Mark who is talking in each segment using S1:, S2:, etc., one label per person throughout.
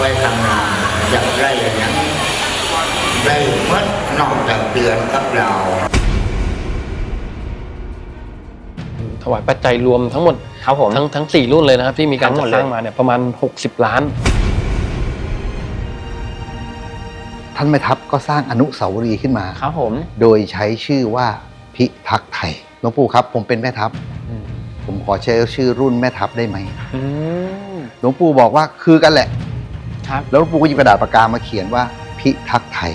S1: ไว้ทำงานอยากได้อย่างนี้ได้เมื่อนอกจากเดือนกับเรา
S2: ถวายปัจจัยรวมทั้งหมด
S3: ครับผม
S2: ทั้ง4รุ่นเลยนะครับที่มีการจัดสร้างมาเนี่ยประมาณ60 ล้าน
S4: ท่านแม่ทัพก็สร้างอนุสาวรีย์ขึ้นมา
S3: ครับผม
S4: โดยใช้ชื่อว่าพิทักษ์ไทยหลวงปู่ครับผมเป็นแม่ทัพผมขอใช้ชื่อรุ่นแม่ทัพได้ไหมหลวงปู่บอกว่าคือกันแหละ
S3: ครับ
S4: แล้วหลวงปู่ก็หยิบกระดาษปากกามาเขียนว่าพิทักษ์ไทย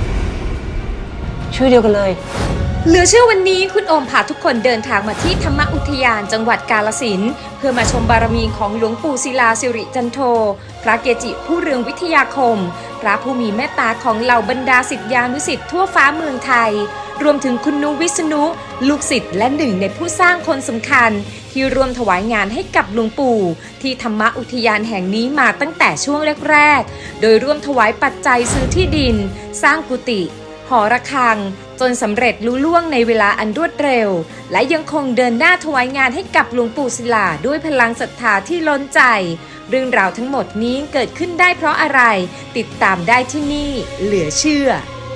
S3: ชื่อเดียวกันเลย
S5: เหลือเชื่อวันนี้คุณโอมพาทุกคนเดินทางมาที่ธรรมอุทยานจังหวัดกาฬสินธุ์เพื่อมาชมบารมีของหลวงปู่ศิลาสิริจันโทพระเกจิผู้เรืองวิทยาคมพระผู้มีเมตตาของเหล่าบรรดาศิษยานุศิษย์ทั่วฟ้าเมืองไทยรวมถึงคุณนุวิษณุลูกศิษย์และหนึ่งในผู้สร้างคนสำคัญที่ร่วมถวายงานให้กับหลวงปู่ที่ธรรมอุทยานแห่งนี้มาตั้งแต่ช่วงแรกๆโดยร่วมถวายปัจจัยซื้อที่ดินสร้างกุฏิหอระฆังจนสำเร็จลุล่วงในเวลาอันรวดเร็วและยังคงเดินหน้าถวายงานให้กับหลวงปู่ศิลาด้วยพลังศรัทธาที่ล้นใจเรื่องราวทั้งหมดนี้เกิดขึ้นได้เพราะอะไรติดตามได้ที่นี่เหลือเชื่อ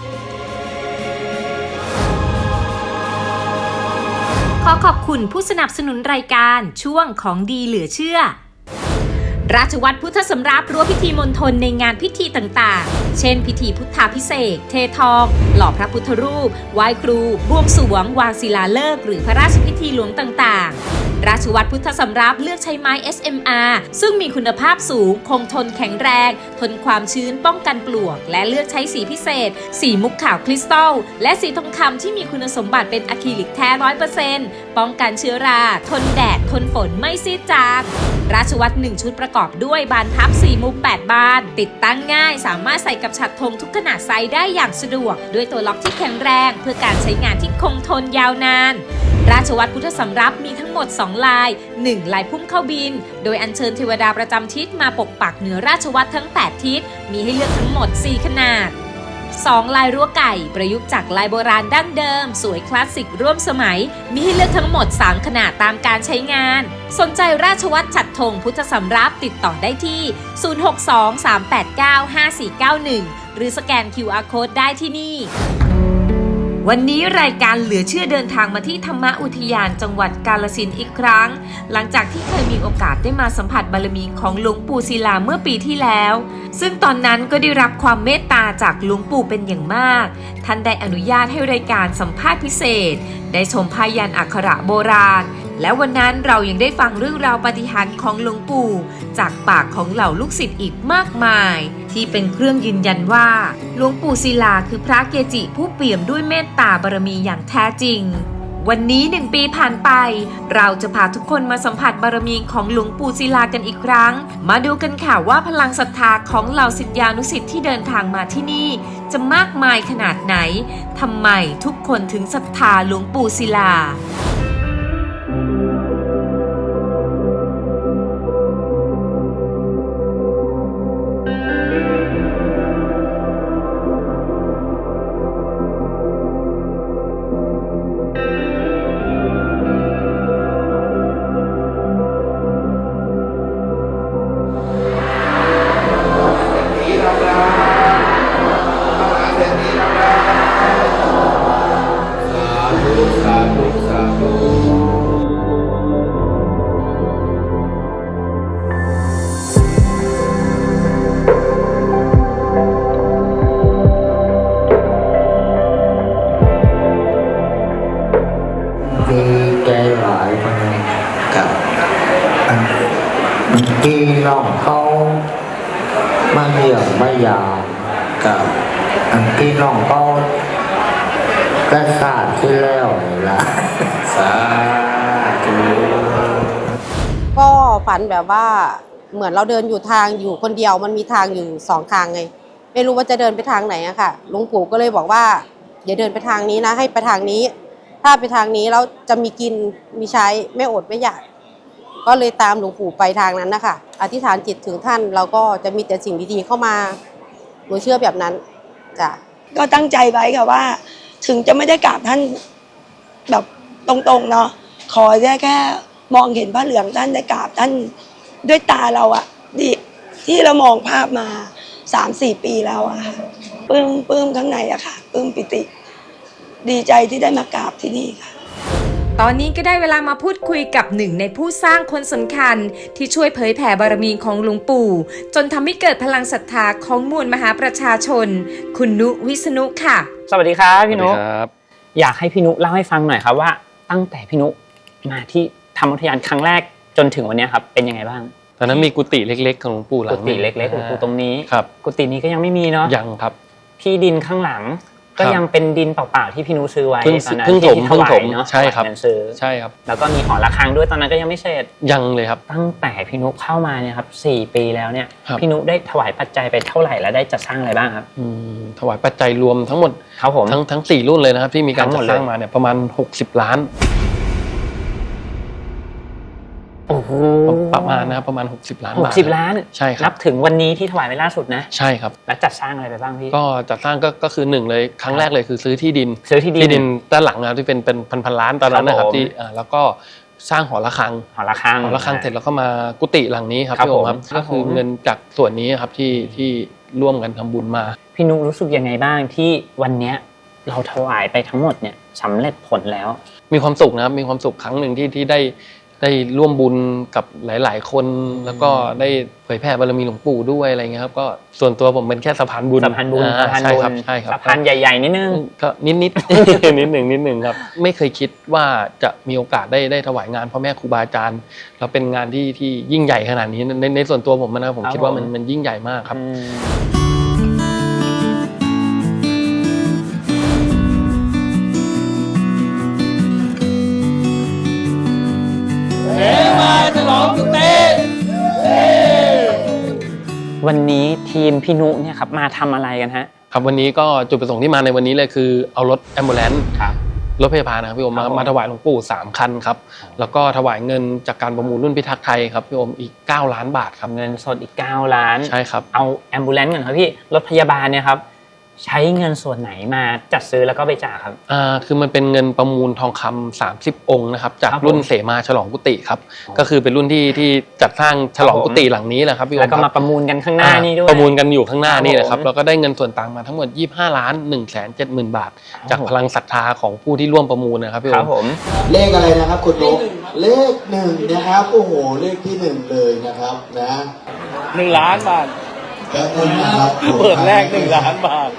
S5: ขอขอบคุณผู้สนับสนุนรายการช่วงของดีเหลือเชื่อราชวัตรพุทธสำรับรั้วพิธีมณฑลในงานพิธีต่างๆเช่นพิธีพุทธาภิเษกเททองหล่อพระพุทธรูปไหว้ครูบวงสรวงวางศิลาฤกษ์หรือพระราชพิธีหลวงต่างๆราชวัตรพุทธสำรับเลือกใช้ไม้ SMR ซึ่งมีคุณภาพสูงคงทนแข็งแรงทนความชื้นป้องกันปลวกและเลือกใช้สีพิเศษสีมุกขาวคริสตัลและสีทองคำที่มีคุณสมบัติเป็นอะคริลิกแท้ 100% ป้องกันเชื้อราทนแดดทนฝนไม่ซีดจางราชวัตร1ชุดประกอบด้วยบานพับ4มุม8บานติดตั้งง่ายสามารถใส่กับฉัตรธงทุกขนาดไซส์ได้อย่างสะดวกด้วยตัวล็อกที่แข็งแรงเพื่อการใช้งานที่คงทนยาวนานราชวัตรพุทธสำรับมีทั้งหมด2ลาย1ลายพุ่มเข้าบินโดยอัญเชิญเทวดาประจำทิศมาปกปักเหนือราชวัตรทั้ง8ทิศมีให้เลือกทั้งหมด4ขนาด2ลายรั้วไก่ประยุกต์จากลายโบราณดั้งเดิมสวยคลาสสิกร่วมสมัยมีให้เลือกทั้งหมด3ขนาดตามการใช้งานสนใจราชวัตรฉัตรธงพุทธสำรับติดต่อได้ที่ 062-389-5491 หรือสแกน QR Code ได้ที่นี่วันนี้รายการเหลือเชื่อเดินทางมาที่ธรรมอุทยานจังหวัดกาฬสินธุ์อีกครั้งหลังจากที่เคยมีโอกาสได้มาสัมผัสบารมีของหลวงปู่ศิลาเมื่อปีที่แล้วซึ่งตอนนั้นก็ได้รับความเมตตาจากหลวงปู่เป็นอย่างมากท่านได้อนุญาตให้รายการสัมภาษณ์พิเศษได้ชมพยัญชนะอักขระโบราณและวันนั้นเรายังได้ฟังเรื่องราวปาฏิหาริย์ของหลวงปู่จากปากของเหล่าลูกศิษย์อีกมากมายที่เป็นเครื่องยืนยันว่าหลวงปู่ศิลาคือพระเกจิผู้เปี่ยมด้วยเมตตาบารมีอย่างแท้จริงวันนี้1 ปีผ่านไปเราจะพาทุกคนมาสัมผัสบารมีของหลวงปู่ศิลากันอีกครั้งมาดูกันค่ะว่าพลังศรัทธาของเหล่าศิษยานุศิษย์ที่เดินทางมาที่นี่จะมากมายขนาดไหนทำไมทุกคนถึงศรัทธาหลวงปู่ศิลา
S1: ดีใจหลายคนกับพี่น้องเขามาเยี่ยมมายามกับพี่น้องเขาก็ทราบที่แล้วนี่ละสาธุ
S6: ก็ฝันแบบว่าเหมือนเราเดินอยู่ทางอยู่คนเดียวมันมีทางอยู่2ทางไงไม่รู้ว่าจะเดินไปทางไหนอะค่ะหลวงปู่ก็เลยบอกว่าอย่าเดินไปทางนี้นะให้ไปทางนี้ถ้าไปทางนี้แล้วจะมีกินมีใช้ไม่อดไม่อยากก็เลยตามหลวงปู่ไปทางนั้นนะคะอธิษฐานจิตถึงท่านเราก็จะมีแต่สิ่งดีๆเข้ามาหนูเชื่อแบบนั้นจ้ะ
S7: ก็ตั้งใจไว้ค่ะว่าถึงจะไม่ได้กราบท่านแบบตรงๆเนาะขอแค่มองเห็นพระเหลืองท่านได้กราบท่านด้วยตาเราอะดีที่เรามองภาพมา3-4 ปีแล้วอะค่ะปลื้มข้างในอะค่ะปลื้มปิติ ดีใจที่ได้มากราบที่นี่ค่ะ
S5: ตอนนี้ก็ได้เวลามาพูดคุยกับหนึ่งในผู้สร้างคนสำคัญที่ช่วยเผยแผ่บารมีของหลวงปู่จนทำให้เกิดพลังศรัทธาของมวลมหาประชาชนคุณนุวิษณุค่ะ
S3: สวัสดีครับพี่นุ
S2: ครับ
S3: อยากให้พี่นุเล่าให้ฟังหน่อยครับว่าตั้งแต่พี่นุมาที่ธรรมอุทยานครั้งแรกจนถึงวันนี้ครับเป็นยังไงบ้าง
S2: ตอนนั้นมีกุฏิเล็กๆของหลวงปู่หลั
S3: กุ
S2: ง
S3: ฏิเล็กๆหลวงปู่ตรงนี้
S2: ครับ
S3: กุฏินี้ก็ยังไม่มีเนาะ
S2: ยังครับ
S3: ที่ดินข้างหลังก็ยังเป็นดินเปล่าๆที่พี่นุซื้อไว้
S2: เพิ่ง
S3: ตอนนั้น
S2: เพิ่งถม
S3: ที่ถวายเนาะ
S2: ใช่ครับ
S3: ถวายเงินซื้อ
S2: ใช่ครับ
S3: แล้วก็มีหอระฆังด้วยตอนนั้นก็ยังไม่เสร็จ
S2: ยังเลยครับ
S3: ตั้งแต่พี่นุเข้ามาเนี่ยครับ4 ปีแล้วเนี่ย
S2: ครับ
S3: พี่นุได้ถวายปัจจัยไปเท่าไหร่และได้จัดสร้างอะไรบ้างครับ
S2: ถวายปัจจัยรวมทั้งหมด
S3: ครับผม
S2: ทั้ง4รุ่นเลยนะครับที่มีการ
S3: ทั้งหม
S2: จั
S3: ด
S2: ด
S3: เลย
S2: สร้างมาเนี่ยประมาณ60 ล้าน
S3: โอ้โห
S2: ประมาณนะครับประมาณ60 ล้านบาท
S3: 60 ล้าน
S2: ใช่ค
S3: นั
S2: รั
S3: บบ ถึงวันนี้ที่ถวายไปล่าสุดนะ
S2: ใช่ครับ
S3: แล้วจัดสร้างอะไรไปบ้างพี่
S2: ก็จัดสร้างก็คือ1เลยครั้งแรกเลยคือซื้อที่ดิน
S3: ซื้อที่ดิน
S2: ด้านหลังนะครับที่เป็นพันล้านตอนนั้นนะค
S3: ครั
S2: รั
S3: บบ ผม
S2: ที่แล้วก็สร้างหอระฆัง
S3: หอระฆัง
S2: หอระฆังเสร็จแล้วก็มากุฏิหลังนี้ครับ
S3: ครับ
S2: พี่โอครับ
S3: ผม
S2: ก็คือ
S3: ครับผม
S2: เงินจากส่วนนี้ครับที่ร่วมกันทำบุญมา
S3: พี่นุรู้สึกยังไงบ้างที่วันเนี้ยเราถวายไปทั้งหมดเนี่ยสำเร็จผลแล้ว
S2: มีความสุขนะครับมีความสุขครั้งหนึ่งที่ได้ร่วมบุญกับหลาย ๆ คน แล้วก็ได้เผยแผ่บารมีหลวงปู่ด้วยอะไรเงี้ยครับก็ส่วนตัวผมเป็นแค่สะพานบุญ
S3: สะพานบุญ
S2: อ่า
S3: สะพาน
S2: ใช่
S3: บุญ
S2: ครับใช่ครับ
S3: สะพานใหญ่ๆนิดนึง
S2: ก็นิด นิดนิดหนึ่งครับไม่เคยคิดว่าจะมีโอกาสได้ถวายงานพ่อแม่ครูบาอาจารย์แล้วเป็นงานที่ยิ่งใหญ่ขนาดนี้ในส่วนตัวผมนะครับผม
S3: ครับ
S2: คิดว่า
S3: ผม
S2: มันยิ่งใหญ่มากครับ
S3: วันนี้ทีมพี่นุเนี่ยครับมาทำอะไรกันฮะ
S2: ครับวันนี้ก็จุดประสงค์ที่มาในวันนี้เลยคือเอารถแอมบูเลนซ์
S3: ครับ
S2: รถพยาบาลนะครับพี่โอม
S3: ครับผม
S2: มาถวายหลวงปู่3 คันครับแล้วก็ถวายเงินจากการประมูลรุ่นพิทักษ์ไทยครับพี่โอมอีก9 ล้านบาทครับ
S3: เงินสดอีก9 ล้าน
S2: ใช่ครับ
S3: เอาแอมบูเลนซ์ก่อนครับพี่รถพยาบาลเนี่ยครับใช้เงินส่วนไหนมาจัดซื้อแล้วก็ไปจ่ายครับ
S2: คือมันเป็นเงินประมูลทองคำ30 องค์นะครับจาก
S3: ครับผม
S2: รุ่นเสมาฉลองกุฏิครับก็คือเป็นรุ่นที่จัดสร้างฉลองกุฏิหลังนี้แหละครับพี่โอม
S3: แล้วก็
S2: ค
S3: มา
S2: รับ
S3: ประมูลกันข้างหน้านี่ด้วย
S2: ประมูลกันอยู่ข้างหน้านี่แหละครับ
S3: ผม
S2: แล้วก็ได้เงินส่วนต่างมาทั้งหมด25,170,000 บาท
S3: ครับ
S2: จากพลังศรัทธาของผู้ที่ร่วมประมูลนะครับพี่
S3: ค
S2: โอ
S3: รับ
S2: ม
S3: ผม
S8: เลขอะไรนะครับคุณนุ๊กเลข1นะครับโอ้โหเลขที่1เลยนะครับนะ
S9: 1 ล้านบาท
S8: แป๊บนึงนะครับ
S9: เปิดแรก1 ล้านบาท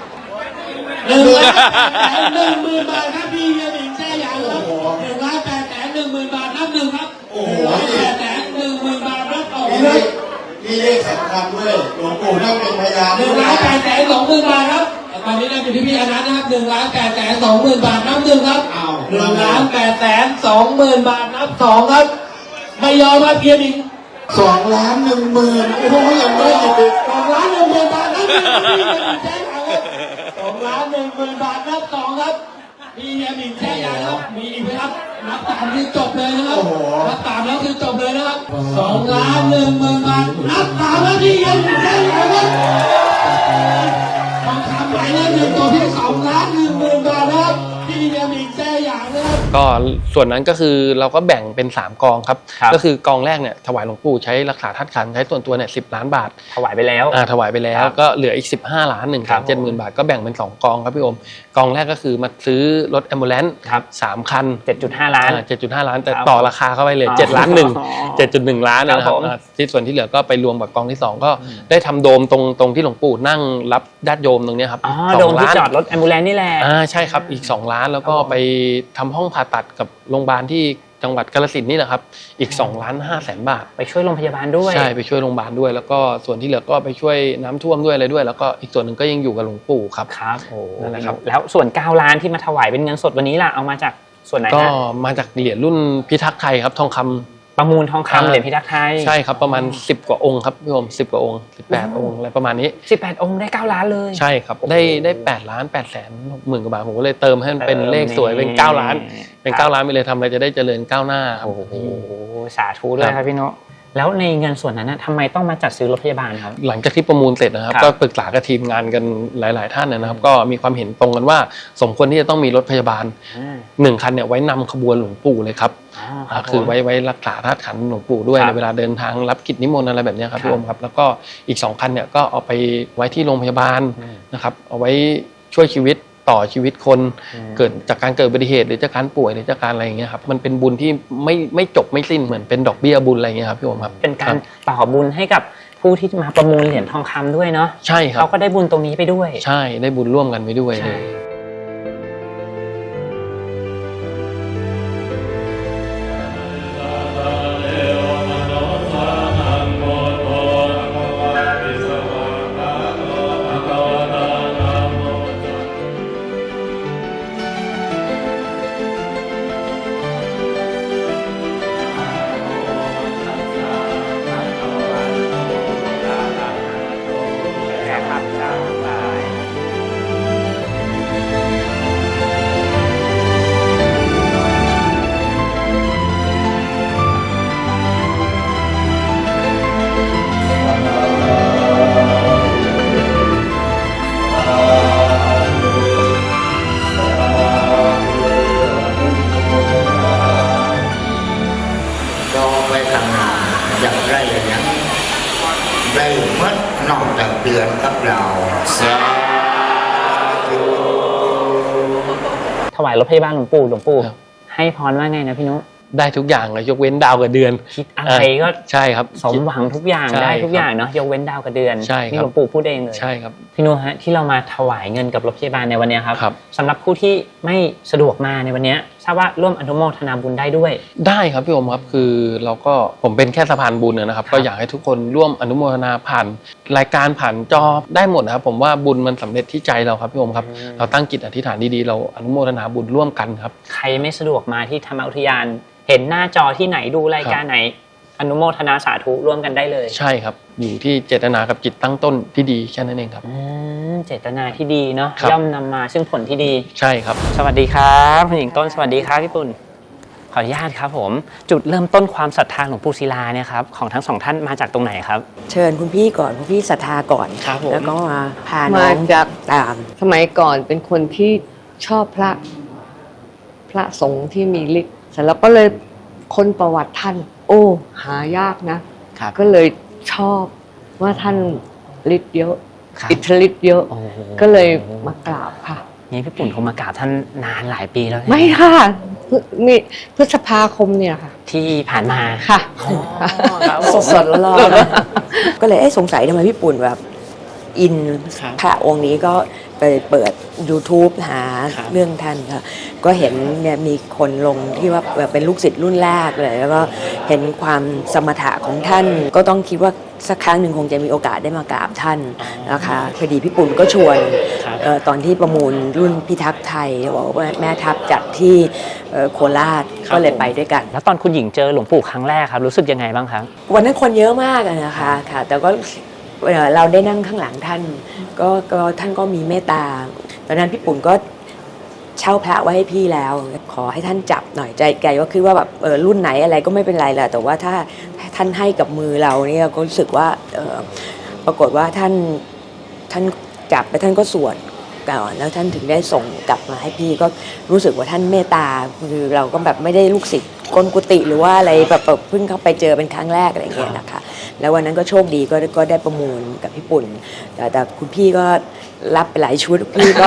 S10: 1,000,000 บาทครับพี่เฮียหมิงแช่ยางครับ1,810,000 บาทนับหนึ่งครับ
S8: โอ้โห
S10: 1,810,000 บาทนับสอง
S8: มีเลขสำคัญด้วยหลวงปู่นั่งเป็นพยานด้วยนะ
S10: 1,820,000 บาทครับตอนนี้ได้อยู่ที่พี่อนันต์นะครับ1,820,000 บาทนับหนึ่งครับ
S8: อ้าว
S10: 1,820,000 บาทนับสองครับไม่ยอมครับเฮียหมิง
S8: 2,100,000โอ้โหยังไม่หยุดอีก
S10: 2,10,000 บาทนับหนึ่งครับพี่เฮียหมิงแช่ยางครับ2,10,000 บาทนับสองครับพี่เฮียหมิงแช่ยางครับมีอีกไหมครับนับตามคือจบเลยนะครับ
S8: โอ้โห
S10: นับตามแล้วคือจบเลยนะครับ2,10,000 บาทนับตามแล้วพี่เฮียหมิงแช่ยางครับทองคำหมายเลขหนึ่งตัวที่2,10,000 บาทนะครับพี่เฮียหมิงแช่ยางนะครับ
S2: ก็ส่วนนั้นก็คือเราก็แบ่งเป็น3 กองครับ
S3: ครับ
S2: ก็คือกองแรกเนี่ยถวายหลวงปู่ใช้รักษาธาตุขันธ์ใช้ส่วนตัวเนี่ย10 ล้านบาท
S3: ถวายไปแล้ว
S2: ถวายไปแล้ว
S3: ครับ
S2: ก็เหลืออีก15 ล้าน1,70,000 บาทก็แบ่งเป็น2 กองครับพี่โอมกองแรกก็คือมาซื้อรถแอมบูเลนซ์
S3: ครับ
S2: 3 คัน
S3: 7.5 ล้าน
S2: 7.5 ล้านแต่
S3: ครับ
S2: ต่อราคาเข้าไปเลย
S3: อ๋อ
S2: 7 ล้าน1
S3: อ๋อ
S2: 7.1 ล้านนะค
S3: ครั
S2: รับบ
S3: ผม
S2: ที่ส่วนที่เหลือก็ไปรวมกับกองที่ 2 ก็ได้ทำโดมตรงที่หลวงปู่นั่งรับญาติโยมตรงเนี้ยครับ
S3: อ๋อ
S2: 2
S3: โดมที่
S2: ล้าน
S3: จอดรถแอมบูเลนซ์นี่แหละ
S2: ใช่ครับอีก2 ล้านแล้วก็ไปทำห้องผ่าตัดกับโรงพยาบาลที่จังหวัดกาฬสินธุ์นี่แหละครับอีก2,500,000 บาท
S3: ไปช่วยโรงพยาบาลด้วย
S2: ใช่ไปช่วยโรงพยาบาลด้วย แล้วก็ส่วนที่เหลือก็ไปช่วยน้ำท่วมด้วยอะไรด้วย แล้วก็อีกส่วนหนึ่งก็ยังอยู่กับหลวงปู่ครับ
S3: ครับโอ้
S2: นั่นแหละครับ
S3: แล้วส่วน9 ล้านที่มาถวายเป็นเงินสดวันนี้ล่ะเอามาจากส่วนไหน
S2: ก็
S3: ฮะ
S2: มาจากเหรียญรุ่นพิทักษ์ไทยครับทองคำ
S3: ประมูลทองคำเหรียญพิทักษ์ไทย
S2: ใช่ครับประมาณ10 กว่าองค์ครับพี่โอม10 กว่าองค์18 องค์อะไรประมาณนี้
S3: 18 องค์ได้9 ล้านเลย
S2: ใช่ครับได้8 ล้าน8 หมื่นกว่าบาทผมก็เลยเติมให้มันเป็นเลขสวยเป็น9 ล้านเป็น9 ล้านไปเลยทำอะไรจะได้เจริญก้าวหน้าครับ
S3: โอ้โหสาธุด้วยครับพี่โนแล้วในเงินส่วนนั้นทำไมต้องมาจัดซื้อรถพยาบาลครับ
S2: หลังจากที่ประมูลเสร็จนะครับ
S3: ครับ
S2: ก็ปรึกษากับทีมงานกันหลาย ๆ ท่านนะครับ ก็มีความเห็นตรงกันว่าสมควรที่จะต้องมีรถพยาบาล1 คันเนี่ยไว้นำขบวนหลวงปู่เลยครับคือไว้รักษาธาตุขันธ์หลวงปู่ด้วยในเวลาเดินทางรับกิจนิมนต์อะไรแบบนี้ครับพี่โอมครับแล้วก็อีก2 คันเนี่ยก็เอาไปไว้ที่โรงพยาบาลนะครับเอาไว้ช่วยชีวิตต่อชีวิตคนเกิดจากการเกิดอุบัติเหตุหรือจากการป่วยหรือจากการอะไรอย่างเงี้ยครับมันเป็นบุญที่ไม่จบไม่สิ้นเหมือนเป็นดอกเบี้ยบุญอะไรอย่างเงี้ยครับพี่โอมครับ
S3: เป็นการต่อบุญให้กับผู้ที่มาประมูลเหรียญทองคำด้วยเนาะ
S2: ใช่ครับ
S3: เขาก็ได้บุญตรงนี้ไปด้วย
S2: ใช่ได้บุญร่วมกันไปด้วยเลย
S1: ก็ไปทำงานอย่างไรอย่างนี้ได้เมื่อนอกจากเดือนกับเราสาธุ
S3: ถวายรถพยาบาลหลวงปู่ให้พรว่าไงนะพี่นุ
S2: ได้ทุกอย่างเลยยกเว้นดาวกับเดือน
S3: คิดอะไรก็
S2: ใช่ครับ
S3: สมหวังทุกอย่าง
S2: ใช่
S3: ได้ทุก
S2: ครับ
S3: อย่างเนาะยกเว้นดาวกับเดือน
S2: ใช่ครับ
S3: นี่หลวงปู่พูดเองเลย
S2: ใช่ครับ
S3: พี่นุฮะที่เรามาถวายเงินกับรถพยาบาลในวันนี้ครับ
S2: ครับ
S3: สำหรับผู้ที่ไม่สะดวกมาในวันนี้ทราบว่าร่วมอนุโมทนาบุญได้ด้วย
S2: ได้ครับพี่โอมครับคือเราก็ผมเป็นแค่สะพานบุญนะครับก็อยากให้ทุกคนร่วมอนุโมทนาผ่านรายการผ่านจอได้หมดนะครับผมว่าบุญมันสำเร็จที่ใจเราครับพี่โอมครับเราตั้งจิตอธิษฐานดีๆเราอนุโมทนาบุญร่วมกันครับ
S3: ใครไม่สะดวกมาที่ธรรมอุทยาน เห็นหน้าจอที่ไหนดูรายการไหน อนุโมทนาสาธุร่วมกันได้เลย
S2: ใช่ครับอยู่ที่เจตนากับจิตตั้งต้นที่ดีแค่นั้นเองครับ
S3: เจตนาที่ดีเนาะ
S2: ครับ
S3: ย่อมนำมาซึ่งผลที่ดี
S2: ใช่ครับ
S3: สวัสดีครับคุณหญิงต้นสวัสดีครับพี่ปุ่นขออนุญาตครับผมจุดเริ่มต้นความศรัทธาหลวงปู่ศิลาเนี่ยครับของทั้งสองท่านมาจากตรงไหนครับ
S11: เชิญคุณพี่ก่อนคุณพี่ศรัทธาก่อน
S3: ครับผม
S11: แล้วก็มาพาน้
S12: มา
S11: อง
S12: จาก
S11: ตาม
S12: สมัยก่อนเป็นคนที่ชอบพระสงฆ์ที่มีฤทธิ์เสร็จแล้วก็เลยค้นประวัติท่าน โอ้หายากนะ
S3: ครับ
S12: ก็เลยชอบว่าท่านฤทธิ์เยอะ
S3: ครับ
S12: อิทธิฤทธิ์เยอะ
S3: โอ้โห
S12: ก็เลยมากราบค่ะ
S3: นี่พี่ปุ่นคงมากราบท่านนานหลายปีแล้ว
S12: ไม่ค่ะมีพฤษภาคมเนี่ยค่ะ
S3: ที่ผ่านมา
S12: ค่ะ
S11: สดๆร้อนๆก็เลยสงสัยทำไมพี่ปุ่นแบบอิน
S3: ครับ
S11: พระองค์นี้ก็ไปเปิด YouTube หา
S3: ครับ
S11: เรื่องท่านค่ะก็เห็นเนี่ยมีคนลงที่ว่าแบบเป็นลูกศิษย์รุ่นแรกเลยแล้วก็เห็นความสมถะของท่าน ก็ต้องคิดว่าสักครั้งหนึ่งคงจะมีโอกาสได้มากราบท่านนะคะพอดีพี่ปุ่นก็ชวน
S3: ครับ
S11: ตอนที่ประมูลรุ่นพิทักษ์ไทยบอกว่าแม่ทัพจัดที่โคราชก็เลยไปด้วยกัน
S3: แล้วตอนคุณหญิงเจอหลวงปู่ครั้งแรกครับรู้สึกยังไงบ้างครับ
S11: วันนั้นคนเยอะมากอะนะคะค่ะ แต่ก็เราได้นั่งข้างหลังท่านก็ท่านก็มีเมตตาตอนนั้นพี่ปุ่นก็เช่าพระไว้ให้พี่แล้ว ขอให้ท่านจับหน่อยใจไกลว่าคือว่าแบบรุ่นไหนอะไรก็ไม่เป็นไรแหละแต่ว่าถ้าท่านให้กับมือเราเนี่ยก็รู้สึกว่าปรากฏว่าท่านจับไปท่านก็สวดก่อนแล้วท่านถึงได้ส่งกลับมาให้พี่ก็รู้สึกว่าท่านเมตตาคือเราก็แบบไม่ได้ลูกศิษย์กลกุฏิหรือว่าอะไรแบบเพิ่งเข้าไปเจอเป็นครั้งแรกอะไรอย่างเงี้ยนะคะแล้ววันนั้นก็โชคดีก็ได้ประมูลกับพี่ปุ่นแต่คุณพี่ก็รับไปหลายชุดพี่ก็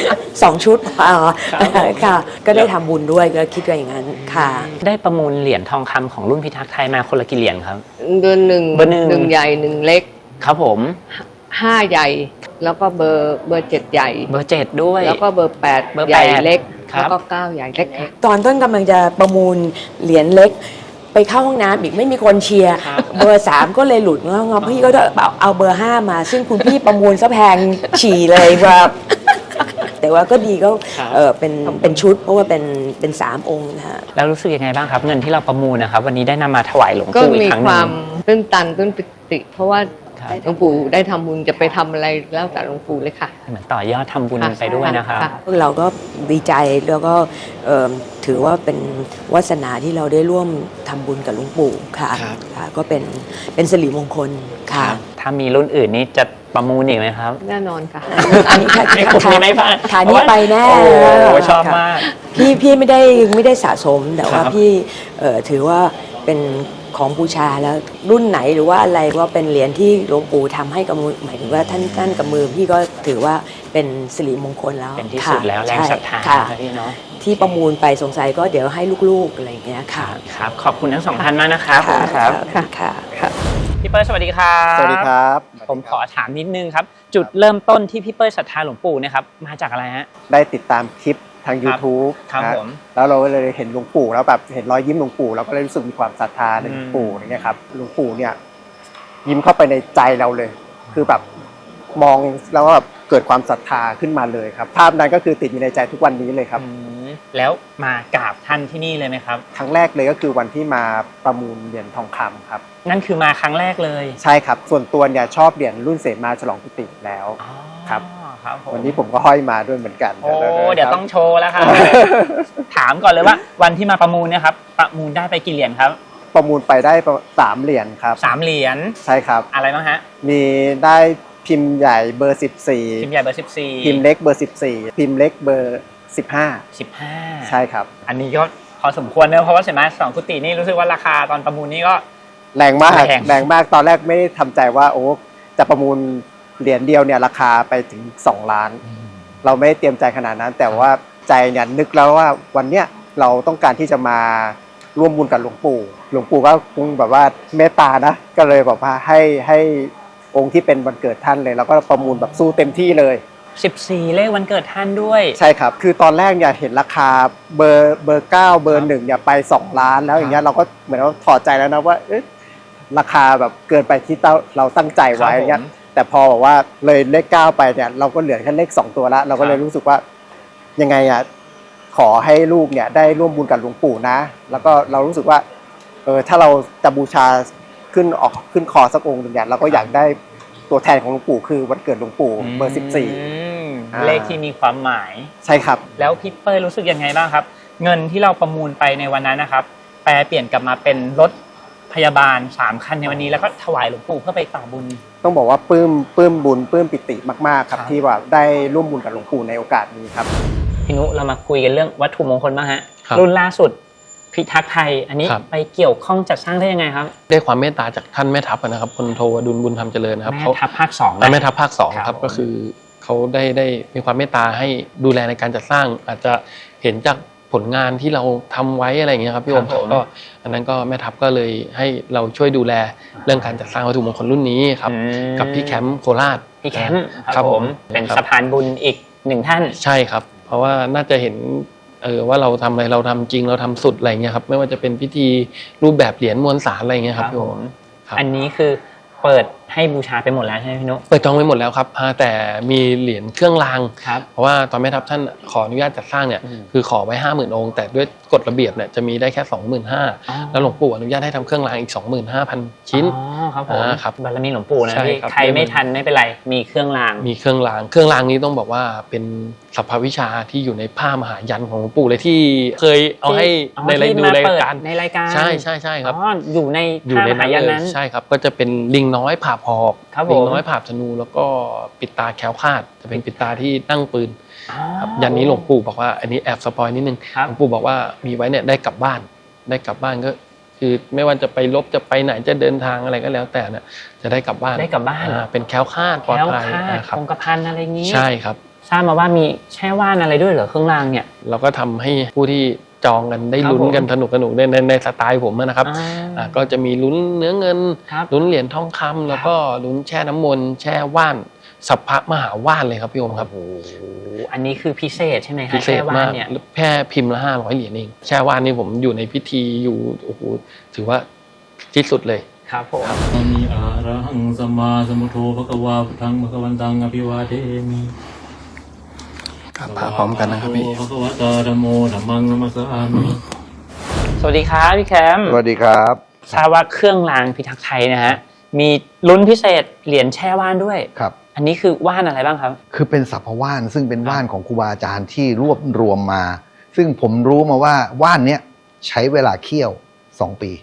S11: 2 ชุดค่ะก็ได้ทำบุญด้วยก็คิดว่าอย่างนั้นค่ะ
S3: ได้ประมูลเหรียญทองคำของรุ่นพิทักษ์ไทยมาคนละกี่เหรียญครับ
S12: เดือนหนึ่ง
S3: เบอร์หนึ่ง
S12: หนึ่งใหญ่หนึ่งเล็ก
S3: ครับผม
S12: 5 ใหญ่ แล้วก็เบอร์7 ใหญ่
S3: เบอร์7ด้วย
S12: แล้วก็เบอร์8
S3: เบอร์
S12: ใหญ่
S3: 8
S12: เล็ก
S3: ครับ
S12: แล้วก็9 ใหญ่เล็กค่ะ
S11: ตอนต้นกำลังจะประมูลเหรียญเล็ก ไปเข้าห้องน้ำอีกไม่มีคนเชียร์เบอร์ 3 ก็เลยหลุดงอพี่ก็เอาเบอร์ 5 มา ซึ่งคุณพี่ประมูลซะแพงฉี่เลยแบบแต่ว่าก็ดีก็เป็นชุดเพราะว่าเป็น3 องค์นะฮะ
S3: แล้วรู้สึกยังไงบ้างครับ เงินที่เราประมูลนะครับ วันนี้ได้นำมาถวายหลวง
S12: ก็
S3: ปู่อี
S12: มี
S3: กครั้งห
S12: ค
S3: นึ่
S12: วาง มตื้นตันตื้นติ เพราะว่า
S3: ครับ
S12: หลวงปู่ได้ทำบุญจะไปทำอะไรแล้วแต่หลวงปู่เลยค่ะ
S3: เหมือนต่อยอดทำบุญไปด้วยนะครับ
S11: พวกเราก็ดีใจแล้วก็ถือว่าเป็นวาสนาที่เราได้ร่วมทำบุญกับหลวงปู่ค่ะ
S3: ครับ
S11: ค่ะก็เป็นสิริมงคลค่ะ
S3: ถ้ามีรุ่นอื่นนี่จะประมูลอีกไหมครับ
S12: แน่นอนค่ะ
S11: อันนี้ค่ะ
S3: ไม่ผมไม่พลาด
S11: ฐานนี้ไปแน่
S3: โอ้โหชอบมาก
S11: พี่ไม่ได้สะสมแต่ว่า
S3: ครับ
S11: พี่ถือว่าเป็นของบูชาแล้วรุ่นไหนหรือว่าอะไรว่าเป็นเหรียญที่หลวงปู่ทำให้กับมือหมายถึงว่าท่านกับมือพี่ก็ถือว่าเป็นสิริมงคลแล้ว
S3: เป็นที่สุดแล้วแรงศรัทธา
S11: ค่ะ
S3: ครับพี่เนาะ
S11: ที่ประมูลไปสงสัยก็เดี๋ยวให้ลูกๆอะไรอย่างเงี้ยค่ะ
S3: ครับขอบคุณทั้งสองท่านมากนะครับขอบคุณครับ
S11: ค่ะ
S3: พี่เปิ้ลสวัสดีครับ
S4: สวัสดีครับ
S3: ผมขอถามนิดนึงครับ จุดเริ่มต้นที่พี่เปิ้ลศรัทธาหลวงปู่เนะครับมาจากอะไรฮะ
S13: ได้ติดตามคลิปทาง YouTube
S3: ครับ
S13: นะ
S3: ผม
S13: แล้วเราก็เลยเห็นหลวงปู่แล้วแบบเห็นรอยยิ้มหลวงปู่เราก็เลยรู้สึกมีความศรัทธาในหลวงปู่อย่างเงี้ยครับหลวงปู่เนี่ยยิ้มเข้าไปในใจเราเลย คือแบบมองแล้วก็แบบเกิดความศรัทธาขึ้นมาเลยครับภาพนั้นก็คือติดอยู่ในใจทุกวันนี้เลยครับ
S3: แล้วมากราบท่านที่นี่เลยไหมครับ
S13: ครั้งแรกเลยก็คือวันที่มาประมูลเหรียญทองคำครับ
S3: นั่นคือมาครั้งแรกเลย
S13: ใช่ครับส่วนตัวเนี่ยชอบเหรียญรุ่นเสมาฉลองกุฏิแล้วครับ
S3: ครับผม
S13: วันนี้ผมก็ห้อยมาด้วยเหมือนกัน
S3: โอ้เดี๋ยวต้องโชว์แล้วครับ ถามก่อนเลยว่าวันที่มาประมูลเนี่ยครับประมูลได้ไปกี่เหรียญครับ
S13: ประมูลไปได้3 เหรียญครับ
S3: 3 เหรียญ
S13: ใช่ครับ
S3: อะไรบ้างฮะ
S13: มีได้พิมพ์ใหญ่เบอร์ 14
S3: พิมพ์ใหญ่เบอร์14
S13: พิมพ์เล็กเบอร์ 14 พิมพ์เล็กเบอร์ 15
S3: 15
S13: ใช่ครับ
S3: อันนี้ก็พอสมควรเนอะเพราะว่าเสมาสองกุฏินี่รู้สึกว่าราคาตอนประมูลนี่ก็
S13: แรงมาก
S3: แรง
S13: มากตอนแรกไม่ได้ทำใจว่าโอ้จะประมูลเหรียญเดียวเนี่ยราคาไปถึง2 ล้าน เราไม่ได้เตรียมใจขนาดนั้น แต่ว่าใจเนี่ยนึกแล้วว่าวันเนี้ยเราต้องการที่จะมาร่วมบุญกับหลวงปู่ก็คงแบบว่าเมตตานะก็เลยแบบว่าให้องค์ที่เป็นวันเกิดท่านเลยแล้วก็ประมูลแบบสู้เต็มที่เลย
S3: 14 เลขวันเกิดท่านด้วย
S13: ใช่ครับคือตอนแรกเนี่ยเห็นราคาเบอร์9เบอร์1เนี่ยไป2 ล้านแล้วอย่างเงี้ยเราก็เหมือนว่าถอดใจแล้วนะว่าราคาแบบเกินไปที่เราตั้งใจไว้อย่างเงี้ยแต่พอบอกว่าเลยเลข9ไปเนี่ยเราก็เหลือแค่เลข2ตัวละเราก็เลยรู้สึกว่ายังไงอ่ะขอให้ลูกเนี่ยได้ร่วมบุญกับหลวงปู่นะแล้วก็เรารู้สึกว่าถ้าเราจะบูชาขึ้นคอสักองค์หนึ่งเนี่ยเราก็อยากได้ตัวแทนของหลวงปู่คือวันเกิดหลวงปู่เบอร์14
S3: เลขที่มีความหมาย
S13: ใช่ครับ
S3: แล้วพี่เปิ้ลรู้สึกยังไงบ้างครับ เงินที่เราประมูลไปในวันนั้นนะครับแปลเปลี่ยนกลับมาเป็นรถพยาบาล3 คันในวันนี้แล้วก็ถวายหลวงปู่เพื่อไปต่อบุญ
S13: ต้องบอกว่าปลื้มบุญปลื้มปิติมากๆครับที่ว่าได้ร่วมบุญกับหลวงปู่ในโอกาสนี้ครับ
S3: พี่นุเรามาคุยกันเรื่องวัตถุมงคลบ้างฮะรุ่นล่าสุดพิทักษ์ไทยอันนี้ไปเกี่ยวข้องจัดสร้างได้ยังไงครับ
S2: ได้ความเมตตาจากท่านแม่ทัพนะครับพลโทอดุลบุญธรรมเจริญนะครับ
S3: แม่ทัพภาค2
S2: แม่ทัพภาค2ครับก็คือเขาได้มีความเมตตาให้ดูแลในการจัดสร้างอาจจะเห็นจากผลงานที่เราทำไว้อะไรอย่างเงี้ยครับพี่โอมก็อันนั้นก็แม่ทัพก็เลยให้เราช่วยดูแลเรื่องการจัดสร้างวัตถุมงคลรุ่นนี้ครับกับพี่แคมป์โคราช
S3: พี่แคมป์ครับผมเป็นสะพานบุญอีก1 ท่าน
S2: ใช่ครับเพราะว่าน่าจะเห็นว่าเราทำอะไรเราทำจริงเราทำสุดอะไรเงี้ยครับไม่ว่าจะเป็นพิธีรูปแบบเหรียญมวลสารอะไรเงี้ยครับพี่โอม
S3: อันนี้คือเปิดให้บูชาไปหมดแล้วใช่ไหมพี่นุ๊ก
S2: เปิดจองไปหมดแล้วครับแต่มีเหรียญเครื่องรางเพราะว่าตอนแม่ทัพท่านขออนุญาตจัดสร้างเนี่ยคือขอไว้ 50,000 องค์แต่ด้วยกฎระเบียบเนี่ยจะมีได้แค่ 25,000แล้วหลวงปู่อนุญาตให้ทำเครื่องรางอีก 25,000 ชิ้น
S3: ครับผมครับบารมีหลวงปู่นะพี่ใครไม่ทันไม่เป็นไรมีเครื่องราง
S2: เครื่องรางนี้ต้องบอกว่าเป็นสรรพวิชาที่อยู่ในผ้ามหายันของหลวงปู่เลยที่เคยเอาให้ในรายการใช่ครับ
S3: อยู่ในผ้ามหายันนั้น
S2: ใช่ครับก็จะเป็นลิงน้อยผ่าหอกลิงน้อยผ่าธนูแล้วก็ปิดตาแคล้วคลาดจะเป็นปิดตาที่ตั้งปืนครับยันนี้หลวงปู่บอกว่าอันนี้แอบสปอยนิดนึงหลวงปู่บอกว่ามีไว้เนี่ยได้กลับบ้านก็คือไม่ว่าจะไปรบจะไปไหนจะเดินทางอะไรก็แล้วแต่เนี่ยจะได้กลับบ้านเป็นแคล้วคลาดปลอดภัย
S3: ครับคงกระพันอะไรอย่างนี้
S2: ใช่ครับ
S3: ทราบมาว่ามีแช่ว่านอะไรด้วยเหรอเครื่องรางเนี่ย
S2: เราก็ทำให้ผู้ที่จองกันได้ลุ้นกันสนุกในสไตล์ผมนะครับก็จะมีลุ้นเนื้อเงินลุ้นเหรียญทองคำแล้วก็ลุ้นแช่น้ำมนต์แช่ว่านสัพพะมหาว่านเลยครับพี่โอมครับ
S3: อันนี้คือพิเศษใช่ไหมครับ
S2: พิเศษมากแค่พิมพ์ละ500 เหรียญเองแช่ว่านนี่ผมอยู่ในพิธีอยู่โอ้โหถือว่าที่สุดเลย
S3: ครับผม
S9: มีอะระหังสัมมาสัมพุทโธภควาพุทธังภควันตังอภิวาเทมิ
S2: พร้อมกันนะครับพี่
S9: ภควตาธัมโมธัมมังนัมมัสสามิ
S3: สวัสดีครับพี่แคมป์
S4: สวัสดีครับ
S3: ทราบว่าเครื่องรางพิทักษ์ไทยนะฮะมีลุ้นพิเศษเหรียญแช่ว่านด้วย
S4: ครับ
S3: อันนี้คือว่านอะไรบ้างครับ
S4: คือเป็นสัพพว่านซึ่งเป็นว่านของครูบาอาจารย์ที่รวบรวมมา ซึ่งผมรู้มาว่าว่านเนี้ยใช้เวลาเคี่ยว2 ปี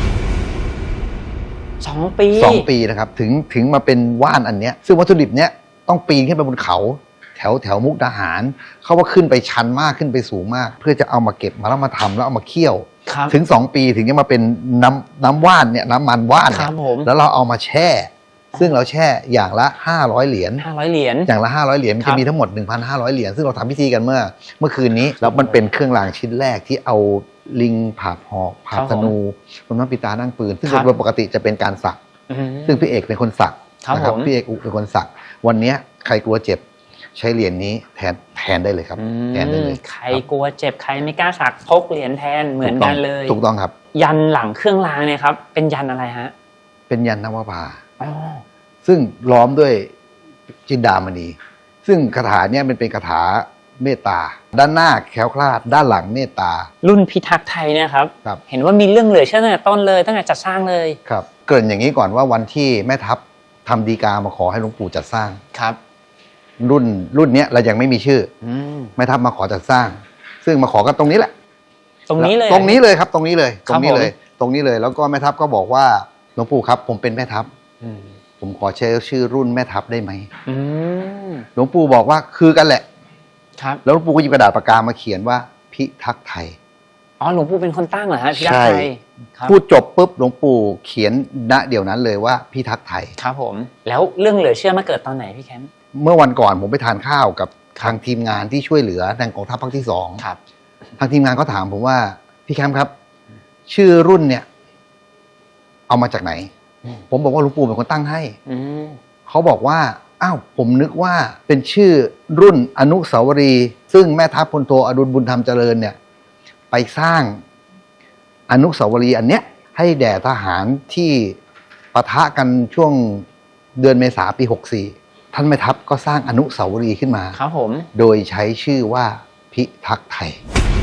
S3: 2 ปี
S4: 2 ปีนะครับถึงมาเป็นว่านอันเนี้ยซึ่งวัตถุดิบเนี้ยต้องปีนขึ้นไปบนเขาแถวมุกดาหารเขาว่าขึ้นไปชันมากขึ้นไปสูงมาก เพื่อจะเอามาเก็บมาแล้วมาทำแล้วเอามาเคี่ยว
S3: ครับ
S4: ถึง2 ปีถึงจะมาเป็นน้ำว่านเนี่ยน้ำมันว่าน
S3: ค
S4: เนี่
S3: รั
S4: ย
S3: บผม
S4: แล้วเราเอามาแช่ ซึ่งเราแช่อย่างละ500 เหรียญ
S3: 500 เหรียญ
S4: อย่างละ500 เหรียญมัน
S3: ครั
S4: จะ
S3: บ
S4: มีทั้งหมด 1,500 เหรียญซึ่งเราทำพิธีกันเมื่อคืนนี้แล้วมันเป็นเครื่องรางชิ้นแรกที่เอาลิงผาบหอกผาบธนูบนน้ำปิตานั่งปืนซึ่งโดยปกติจะเป็นการสัก
S3: อืม
S4: ซึ่งพี่เอกเป็นคนสัก
S3: ครับ
S4: นะครับ
S3: ผม
S4: พี่เอกอุเป็นคนสักวันเนี้ยใครกลัวเจ็บใช้เหรียญนี้แทนได้เลยครับแทนได้เลย
S3: ใครกลัวเจ็บใครไม่กล้าสักพกเหรียญแทนเหมือนกันเลย
S4: ถูกต้องครับ
S3: ยันหลังเครื่องรางเนี่ยครับเป็นยันอะไรฮะ
S4: เป็นยันนวภา
S3: อ๋อ
S4: ซึ่งล้อมด้วยจินดามณี ซึ่งคาถาเนี่ยมันเป็นคาถาเมตตา ด้านหน้าแคล้วคลาดด้านหลังเมตตา
S3: รุ่นพิทักษ์ไทยเนี่ยครับ
S4: ครับ
S3: เห็นว่ามีเรื่องเหลือเชื่อตั้งแต่ต้นเลยตั้งแต่จัดสร้างเลย
S4: ครับเกริ่นอย่างนี้ก่อนว่าวันที่แม่ทัพทำดีกามาขอให้หลวงปู่จัดสร้าง
S3: ครับ
S4: รุ่นเนี้ยเรายังไม่มีชื่อแม่ทัพมาขอจัดสร้าง ซึ่งมาขอกันตรงนี้แหละ
S3: ตรงนี้เลย
S4: ตรงนี้เลยครับตรงนี้เลย
S3: ครับ
S4: ตรงนี้เลยแล้วก็แม่ทัพก็บอกว่าหลวงปู่ครับผมเป็นแม่ทัพผมขอใช้ชื่อรุ่นแม่ทัพได้ไหม
S3: อืม
S4: หลวงปู่บอกว่าคือกันแหละ
S3: ครับ
S4: แล้วหลวงปู่ก็หยิบกระดาษปากกามาเขียนว่าพิทักษ์ไทย
S3: อ๋อหลวงปู่เป็นคนตั้งเหรอฮะพิทักษ์ไทยครับ
S4: พูดจบปุ๊บหลวงปู่เขียนณเดี๋ยวนั้นเลยว่าพิทักษ์ไทย
S3: ครับผม แล้วเรื่องเหลือเชื่อมาเกิดตอนไหนพี่แคมป์
S4: เมื่อวันก่อนผมไปทานข้าวกับทางทีมงานที่ช่วยเหลือทางกองทัพภาคที่2
S3: ครับ
S4: ทางทีมงานก็ถามผมว่าพี่แคมป์ครับ ชื่อรุ่นเนี่ยเอามาจากไหน ผมบอกว่าหลวงปู่เป็นคนตั้งให้
S3: อืม
S4: เขาบอกว่าอ้าวผมนึกว่าเป็นชื่อรุ่นอนุสาวรีย์ซึ่งแม่ทัพพลโทอดุลบุญธรรมเจริญเนี่ยไปสร้างอนุสาวรีย์อันเนี้ยให้แด่ทหารที่ปะทะกันช่วงเดือนเมษาปี 64 ท่านแม่ทัพก็สร้างอนุสาวรีย์ขึ้นมา
S3: ครับผม
S4: โดยใช้ชื่อว่าพิทักษ์ไทย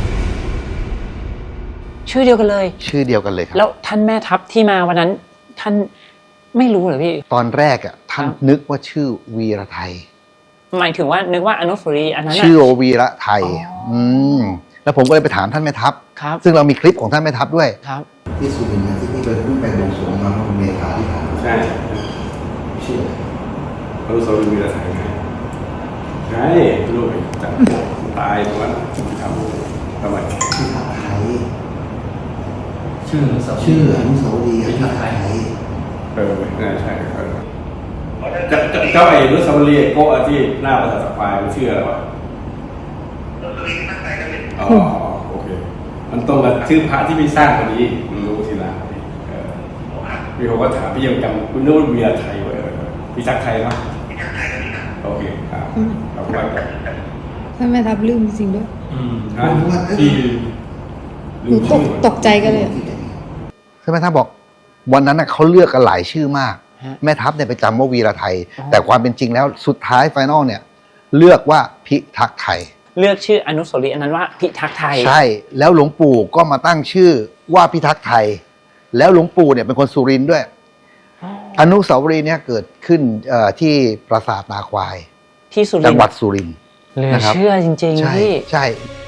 S3: ชื่อเดียวกันเลย
S4: ชื่อเดียวกันเลยครับ
S3: แล้วท่านแม่ทัพที่มาวันนั้นท่านไม่รู้เหรอพี่
S4: ตอนแรกอ่ะท่านนึกว่าชื่อวีระไทย
S3: หมายถึงว่านึกว่าอนุสาวรีย์อันนั้นน่ะ
S4: ชื่อวีระไทยแล้วผมก็เลยไปถามท่านแม่ทัพ
S3: ครับ
S4: ซึ่งเรามีคลิปของท่านแม่ทัพด้วย
S3: ครับ
S4: ที่สุรินทร์ที่นี่เป็นรูปแบบบวงสรวงมาเมื่อเมษาที่ผ่านมา
S9: ใช่
S4: ชื่อ
S9: อนุสาวรีย์วีรไทยไงใช่ลูกจัดตายตรงนั้นทำทำไม
S4: พิทักษ์ไทย
S9: ชื่ออนุสาวรีย์
S4: ชื่ออนุสาวรีย์พิทักษ์ไทย
S9: น่าใช่เจ้าไอ้อนุสาวรีย์โกะที่หน้าภาษาสปายมันชื่ออะไรวะอ๋อโอเค มันตรงกับชื่อพระที่พี่สร้างคนนี้มันรู้ทีหลังพี่เขาก็ถามพี่ยังจำคุณนึกว่าวีรไทยไว้พิทักษ์ไทยมั้ยโอเคครับขอบคุณครับ
S14: ท่านแม่ทัพลืมจริงด้วย
S9: ที่
S14: หนูตกใจกันเลยอะ
S4: ใช่ไหมท่านบอกวันนั้นเขาเลือกกันหลายชื่อมาก แม่ทัพเนี่ยไปจำว่าวีระไทย แต่ความเป็นจริงแล้วสุดท้ายไฟนอลเนี่ยเลือกว่าพิทักษ์ไทย
S3: เลือกชื่ออนุสาวรีย์อันนั้นว่าพิทักษ์ไทย
S4: ใช่แล้วหลวงปู่ก็มาตั้งชื่อว่าพิทักษ์ไทย แล้วหลวงปู่เนี่ยเป็นคนสุรินทร์ด้วย อนุสาวรีย์เนี่ยเกิดขึ้นที่ปราสาทนาควาย
S3: ที่สุรินทร์
S4: จังหวัดสุรินทร์
S3: เหลือ
S4: นะครับ
S3: เชื่อจริงๆ
S4: ใช่
S3: พี่
S4: ใช่